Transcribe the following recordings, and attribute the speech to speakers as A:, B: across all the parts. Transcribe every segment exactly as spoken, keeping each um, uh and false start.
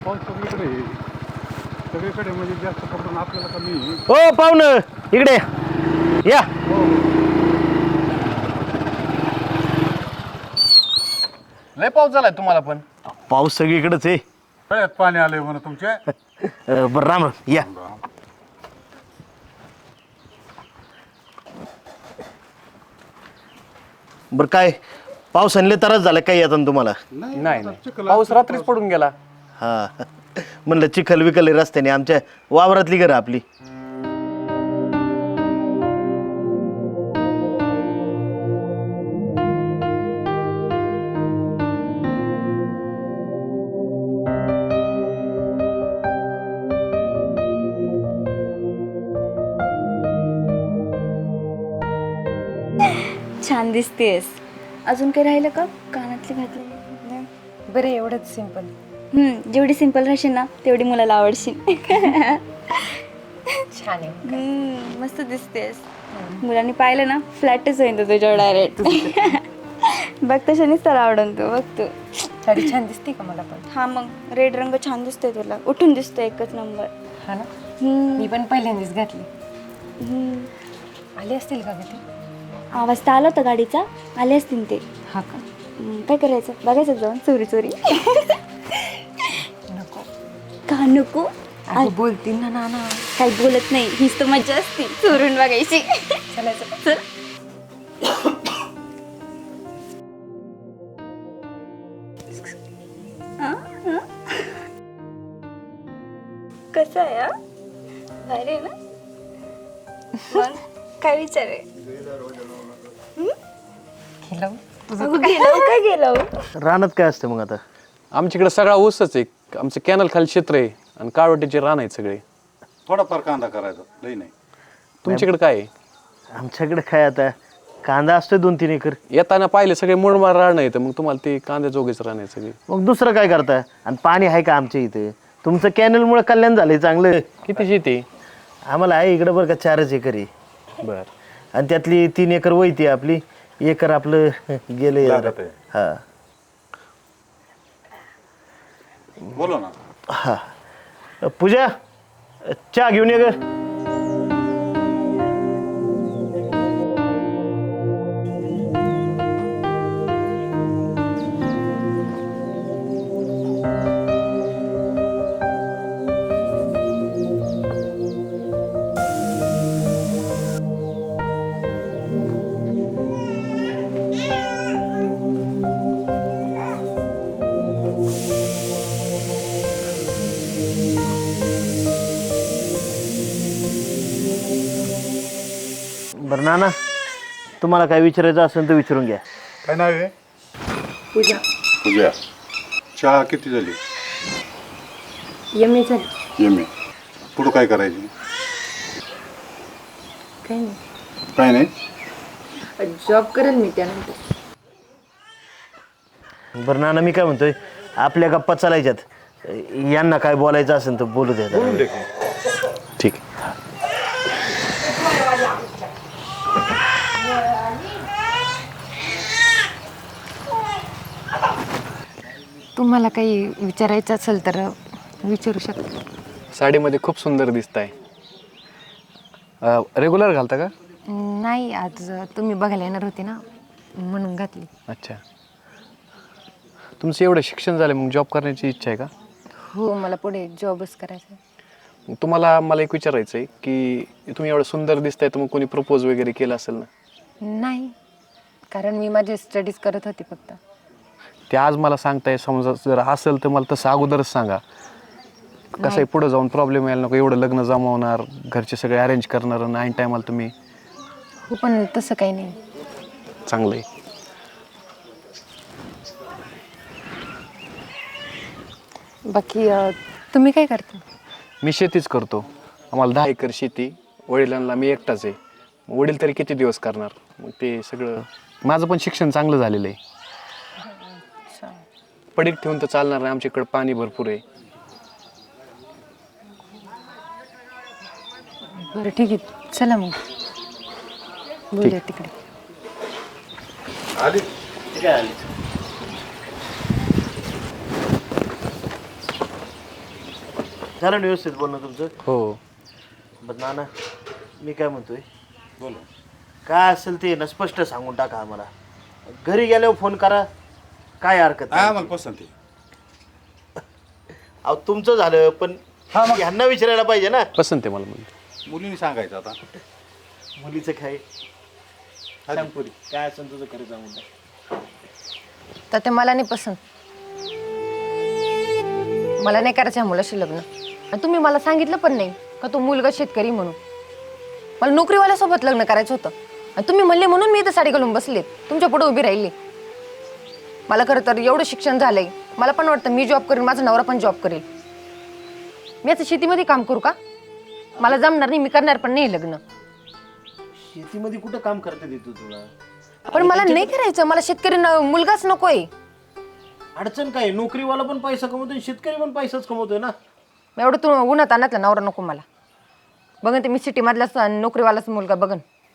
A: पाऊस सगळीकडे आहे. सगळीकडे म्हणजे जास्त करून आपल्याला कमी आहे.
B: हो पाहुणं इकडे या.
A: हो
C: लय पाऊस झालाय तुम्हाला पण.
B: पाऊस सगळीकडेच आहे.
A: सगळ्यात पाणी आलंय म्हणा तुमच्या.
B: अं, बरं राम राम या. बरं काय पावसाने तरच झालं काही आता तुम्हाला.
C: नाही नाही पाऊस रात्रीच पडून गेला.
B: हा म्हणलं चिखल विकल आहे रस्त्याने आमच्या वावरातली घरं आपली.
D: छान दिसतेस. अजून काही राहिलं का कानातली घातली?
E: बरं एवढंच सिंपल.
D: हम्म, जेवढी सिंपल राहशील ना तेवढी मुलाला आवडशील.
E: छान आहे.
D: हम्म, मस्त दिसतेस. मुलांनी पाहिलं ना फ्लॅटच होईन तो तुझ्यावर डायरेक्ट. बघ तशानेच त्याला आवडून तू बघ तू.
E: साडी छान दिसते का मला पण?
D: हा मग रेड रंग छान दिसतोय तुला. उठून दिसतोय एकच नंबर.
E: हा ना.
D: हम्म,
E: मी पण पहिल्यांदाच घातली.
D: हम्म.
E: आले असतील का ग ते?
D: आवाज तर आला होता गाडीचा. आले असतील ते.
E: हा का?
D: हम्म, काय करायचं बघायचं जाऊन चोरी चोरी.
E: नको.
D: का नको?
E: अगं बोलतील ना नाना.
D: काही बोलत नाही. हीच तर मज्जा असते चोरून बघायची.
E: चलायचं.
D: चल. कसं आहे हा? भारी आहे ना? मग काय विचार आहे?
E: खेळावं?
D: अगं गेलो काय गेलो?
B: रानात काय असतं मग आता?
C: आमच्याकडे सगळा ऊसच आहे. आमचं कॅनल खाली क्षेत्र आहे आणि काळवटीचे रान आहेत सगळे.
A: थोडाफार कांदा करायचा लई नाही.
C: तुमच्याकडे काय आहे?
B: आमच्याकडे काय आता कांदा असतोय दोन तीन एकर.
C: येताना पाहिले सगळे मुरमाड रान येतं, मग तुम्हाला ते कांद्या जोगेच रान आहे सगळे.
B: मग दुसरं काय करता? आणि पाणी आहे का आमच्या इथे? तुमचं कॅनलमुळे कल्याण झालंय चांगलं.
C: किती शेती?
B: आम्हाला आहे इकडं बरं का चारच एकर आहे.
C: बर.
B: आणि त्यातली तीन एकर वैती आपली. एकर आपलं गेलं
A: लागत आहे.
B: हा
A: बोलो ना.
B: हा. पूजा चहा घेऊन ये ग. बरं नाना तुम्हाला काय विचारायचं असेल तर विचारून घ्या.
A: काय नाव आहे?
E: पूजा.
A: पूजा. चहा किती झाली?
E: एम ए झाली.
A: M A. पुढं काय करायची?
E: काही नाही.
A: काय नाही.
E: जॉब करेल मी त्यानंतर.
B: बरं नाना मी काय म्हणतोय आपल्या गप्पा चालायच्यात. यांना काय बोलायचं असेल तर बोलू द्या.
A: बोलून दे.
B: ठीक.
E: तुम्हाला काही विचारायचं असेल तर विचारू शकता.
C: साडीमध्ये खूप सुंदर दिसताय. रेग्युलर घालता का?
E: नाही आज तुम्ही बघायला येणार होते ना म्हणून घातली.
C: अच्छा. तुमचं एवढं शिक्षण झालं मग जॉब करण्याची इच्छा आहे का?
E: हो मला पुढे जॉबच करायचा.
C: मग तुम्हाला मला एक विचारायचं आहे की तुम्ही एवढं सुंदर दिसताय तर मग कोणी प्रपोज वगैरे केलं असेल ना?
E: नाही कारण मी माझे स्टडीज करत होते फक्त.
C: ते आज मला सांगताय. समजा जर असेल तर मला तसं अगोदरच सांगा. कसं आहे पुढे जाऊन प्रॉब्लेम यायला नको. एवढं लग्न जमवणार घरचे सगळे अरेंज करणार आणि ऐन टायमाला तुम्ही.
E: हो पण तसं काही नाही.
C: चांगलं आहे.
E: बाकी तुम्ही काय करता?
C: मी शेतीच करतो. आम्हाला दहा एकर शेती. वडिलांना मी एकटाच आहे. वडील तरी किती दिवस करणार. मग ते सगळं माझं पण शिक्षण चांगलं झालेलं आहे. पडीक ठेवून तर चालणार नाही. आमच्याकडे पाणी भरपूर आहे.
E: बरं ठीक आहे चला मग बोलूया तिकडे.
A: आली.
B: ठीक आहे आली. झालं ना व्यवस्थित बोलणं तुमचं?
C: हो.
B: बरं नाना, मी काय म्हणतोय,
A: बोला.
B: काय असेल ते ना स्पष्ट सांगून टाका आम्हाला. घरी गेल्यावर फोन करा, काय हरकत
A: हा
B: नाही.
A: मला पसंत आहे.
B: अहो तुमचं झालं, पण
A: हा, मग.
B: ह्यांना विचारायला पाहिजे ना.
C: पसंत आहे मला मुलगी.
A: मुलीने सांगायचं आता.
B: मुलीचं काय सांग पुरी, काय असेल तुझं खरं सांगून टाक.
E: तर ते मला नाही पसंत. मला नाही करायचं ह्या मुलाशी लग्न. आणि तुम्ही मला सांगितलं पण नाही का तो मुलगा शेतकरी म्हणून. मला नोकरीवाल्यासोबत लग्न करायचं होतं आणि तुम्ही म्हणले म्हणून मी इथं साडी घालून बसले, तुमच्या पुढे उभी राहिली. मला खरं तर एवढं शिक्षण झालंय, मला पण वाटतं मी जॉब करेन, माझा नवरा पण जॉब करेल. मी आता शेतीमध्ये काम करू का? मला जमणार नाही, मी करणार पण नाही लग्न.
B: शेतीमध्ये कुठं काम करता देतो तुला?
E: पण मला नाही करायचं, मला शेतकरी न- मुलगाच नकोय.
B: अडचण काय, नोकरीवाला पण पैसा कमवतोय, शेतकरी पण पैसाच कमवतोय ना.
E: एवढं तू उन्हात आणतला नवरा नको मला. बघन ते मी सिटी मधलाच नोकरीवालाच मुलगा बघन.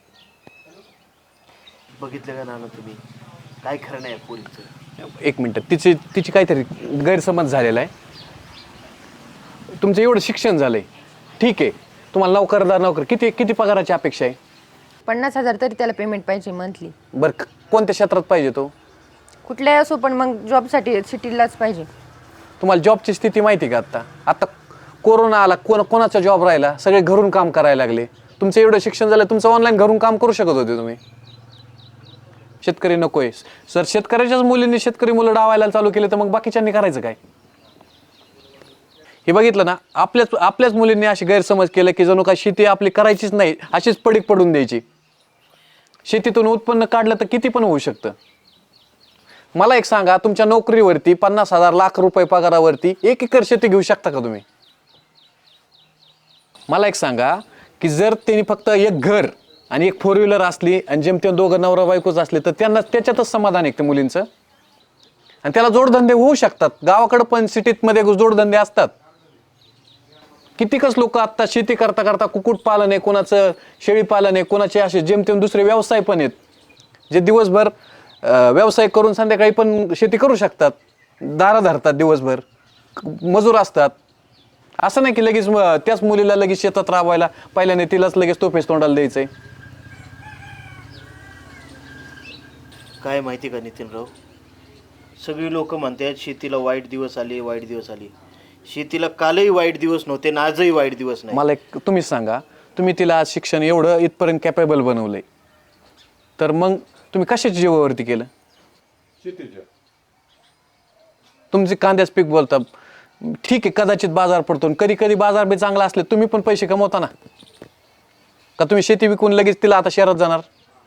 B: बघितलं का नाना तुम्ही, काय खरं नाही पोरीचं.
C: एक मिनटं, तिची तिची काहीतरी गैरसमज झालेला आहे. तुमचं एवढं शिक्षण झालंय, ठीक आहे, तुम्हाला नोकरदार नोकर किती किती पगाराची अपेक्षा आहे?
E: पन्नास हजार तरी त्याला पेमेंट पाहिजे मंथली.
C: बरं, क- कोणत्या क्षेत्रात पाहिजे तो?
E: कुठल्याही असो, पण मग जॉबसाठी सिटीलाच पाहिजे.
C: तुम्हाला जॉबची स्थिती माहिती का? आत्ता आता कोरोना आला, कोण कोणाचा जॉब राहिला, सगळे घरून काम करायला लागले. तुमचं एवढं शिक्षण झालं, तुमचं ऑनलाईन घरून काम करू शकत होते तुम्ही. शेतकरी नकोय सर, शेतकऱ्याच्याच मुलींनी शेतकरी मुलं डावायला चालू केले, तर मग बाकीच्यांनी करायचं काय? हे बघितलं ना, आपल्याच आपल्याच मुलींनी अशी गैरसमज केलं की जणू काय शेती आपली करायचीच नाही, अशीच पडीक पडून द्यायची. शेतीतून उत्पन्न काढलं तर किती पण होऊ शकतं. मला एक सांगा, तुमच्या नोकरीवरती पन्नास हजार लाख रुपये पगारावरती एक एकर शेती घेऊ शकता का तुम्ही? मला एक सांगा की जर त्यांनी फक्त एक घर आणि एक फोर व्हीलर असली आणि जेमतेम दोघं नवरा बायकोच असले, तर त्यांना त्याच्यातच समाधान आहे त्या मुलींचं. आणि त्याला जोडधंदे होऊ शकतात. गावाकडं पण सिटीमध्ये जोडधंदे असतात. कितीकच लोक आत्ता शेती करता करता कुक्कुटपालन आहे, कोणाचं शेळीपालन आहे, कोणाचे असे जेमतेम दुसरे व्यवसाय पण आहेत, जे दिवसभर व्यवसाय करून संध्याकाळी पण शेती करू शकतात. दारा धरतात दिवसभर, मजूर असतात. असं नाही की लगेच त्याच मुलीला लगेच शेतात राबवायला पहिल्याने तिलाच लगेच तोफेस तोंडाला द्यायचंय.
B: काय माहिती का नितीनराव, सगळी लोक म्हणतात शेतीला वाईट दिवस आले, वाईट दिवस आले. शेतीला कालही वाईट दिवस नव्हते आणि आजही वाईट दिवस नाही.
C: मला एक तुम्हीच सांगा, तुम्ही तिला आज शिक्षण एवढं इथपर्यंत कॅपेबल बनवलंय, तर मग तुम्ही कशाच्या जीवावरती केलं?
A: शेतीच्या.
C: तुमचे कांद्याच पीक बोलता, ठीक आहे, कदाचित बाजार पडतो, कधी कधी बाजार बी चांगला असले तुम्ही पण पैसे कमवता ना. का तुम्ही शेती विकून लगेच तिला आता शहरात जाणार?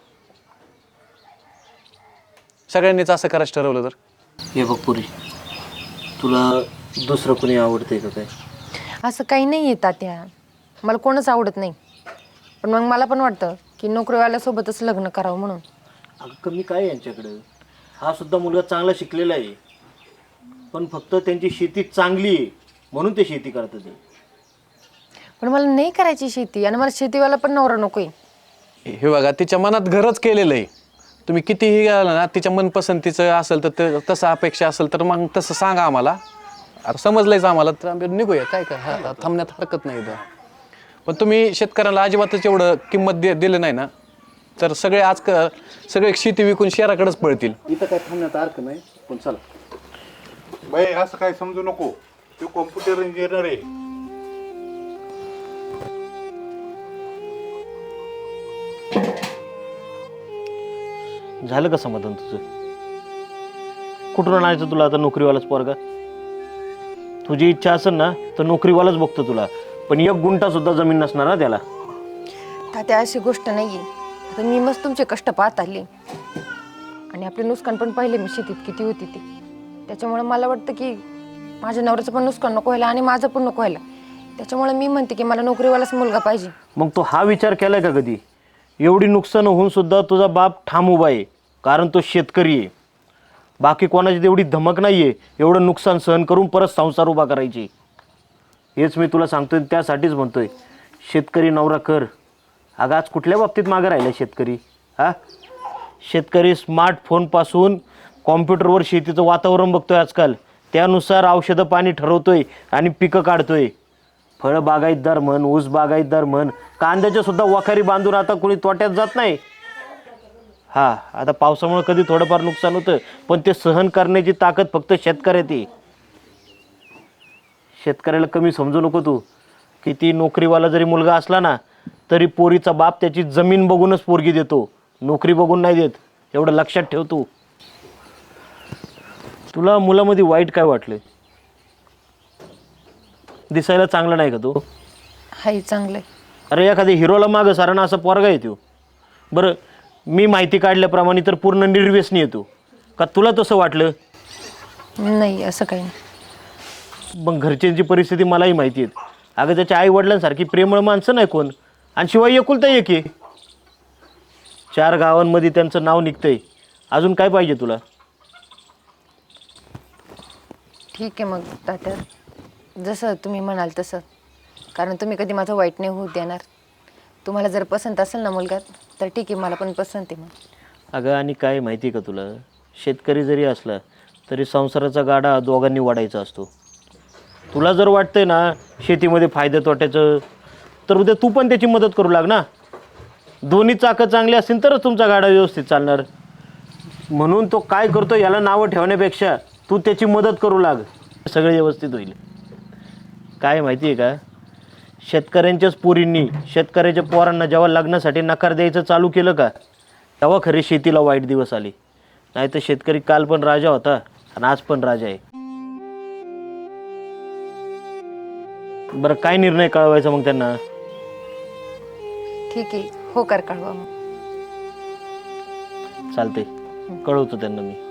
C: सगळ्यांनीच असं करायचं ठरवलं तर?
B: हे बघ पुरी, तुला दुसरं कोणी आवडतंय का काय?
E: असं काही नाही आहे तात्या, मला कोणच आवडत नाही. पण मग मला पण वाटतं की नोकरीवाल्यासोबतच लग्न करावं म्हणून.
B: अगं कमी काय यांच्याकडं, हा सुद्धा मुलगा चांगला शिकलेला आहे, पण फक्त त्यांची शेती चांगली आहे म्हणून ते शेती करतात.
E: पण मला नाही करायची शेती आणि मला शेतीवाला पण नवरा नकोय.
C: हे बघा, तिच्या मनात घरच केलेलं आहे. तुम्ही कितीही गेला ना, तिच्या मनपसंतीचं असेल तर ते तसं अपेक्षा असेल तर मग तसं सांगा आम्हाला. आता समजलंयच आम्हाला, तर आम्ही निघूया. काय काय हा थांबण्यात हरकत नाही इथं. पण तुम्ही शेतकऱ्याला अजिबातच एवढं किंमत दे दिलं नाही ना, तर सगळे आज क सगळे शेती विकून शहराकडेच पळतील. इथं काय थांबण्यात हरकत नाही. पण चला
A: बाई, असं काय समजू नको, तो कॉम्प्युटर इंजिनियर आहे.
B: झालं का समाधान तुझं? कुठून आणायचं तुला आता नोकरीवालाच पोरगा? तुझी इच्छा असेल ना तर नोकरीवालाच बघतो तुला, पण एक गुंठा सुद्धा जमीन नसणार ना त्याला.
E: तात्या अशी गोष्ट नाही आहे. आता मी मस्त तुमचे कष्ट पाहत आले आणि आपले नुकसान पण पाहिले मी शेतीत किती होती ती. त्याच्यामुळे मला वाटतं की माझ्या नवऱ्याचं पण नुकसान नको व्हायला आणि माझं पण नको व्हायला. त्याच्यामुळे मी म्हणते की मला नोकरीवालाच मुलगा पाहिजे.
B: मग तो हा विचार केलाय का कधी? एवढी नुकसान होऊन सुद्धा तुझा बाप ठाम उभा आहे, कारण तो शेतकरी आहे. बाकी कोणाची तेवढी धमक नाही आहे एवढं नुकसान सहन करून परत संसार उभा करायची. हेच मी तुला सांगतोय, त्यासाठीच म्हणतोय शेतकरी नवरा कर. अगं आज कुठल्या बाबतीत मागे राहिला शेतकरी? हा, शेतकरी स्मार्टफोनपासून कॉम्प्युटरवर शेतीचं वातावरण बघतोय आजकाल, त्यानुसार औषधं पाणी ठरवतोय आणि पिकं काढतोय. फळ बागायतदार म्हण, ऊस बागायतदार म्हण, कांद्याच्या सुद्धा वखारी बांधून आता कोणी तोट्यात जात नाही. हा, आता पावसामुळे कधी थोडंफार नुकसान होतं, पण ते सहन करण्याची ताकद फक्त शेतकऱ्यात आहे. शेतकऱ्याला कमी समजू नको तू. किती नोकरीवाला जरी मुलगा असला ना, तरी पोरीचा बाप त्याची जमीन बघूनच पोरगी देतो, नोकरी बघून नाही देत. एवढं लक्षात ठेव तू. तुला मुलामध्ये वाईट काय वाटलं? दिसायला चांगला नाही का तो?
E: हाय चांगलंय.
B: अरे एखाद्या हिरोला मागं साराना असा पोरगा येतो. बरं, मी माहिती काढल्याप्रमाणे तर पूर्ण निर्व्यसनी येतो का? तुला तसं वाटलं?
E: नाही असं काही नाही.
B: मग घरच्यांची परिस्थिती मलाही माहिती आहे. अगं त्याच्या आई वडिलांसारखी प्रेमळ माणसं नाही कोण, आणि शिवाय एकुलता एक आहे. चार गावांमध्ये त्यांचं नाव निघतंय. अजून काय पाहिजे तुला?
E: ठीक आहे मग तात्या, जसं तुम्ही म्हणाल तसं, कारण तुम्ही कधी माझं वाईट नाही होऊ देणार. तुम्हाला जर पसंत असेल ना मुलगा, तर ठीक आहे, मला पण पसंत आहे. मग
B: अगं आणि काय माहिती आहे का तुला, शेतकरी जरी असला तरी संसाराचा गाडा दोघांनी वाढायचा असतो. तुला जर वाटतंय ना शेतीमध्ये फायदा तोट्याचं, तर उद्या तू पण त्याची मदत करू लाग ना. दोन्ही चाकं चांगली असतील तरच तुमचा गाडा व्यवस्थित चालणार. म्हणून तो काय करतो याला नावं ठेवण्यापेक्षा तू त्याची मदत करू लाग, सगळं व्यवस्थित होईल. काय माहिती आहे का, शेतकऱ्यांच्याच पोरींनी शेतकऱ्याच्या पोरांना जेव्हा लग्नासाठी नकार द्यायचं चालू केलं का, तेव्हा खरे शेतीला वाईट दिवस आले. नाही तर शेतकरी काल पण राजा होता आणि आज पण राजा आहे. बरं, काय निर्णय कळवायचा मग त्यांना?
E: ठीक आहे, हो कर कळवा मग.
B: चालते, कळवतो त्यांना मी.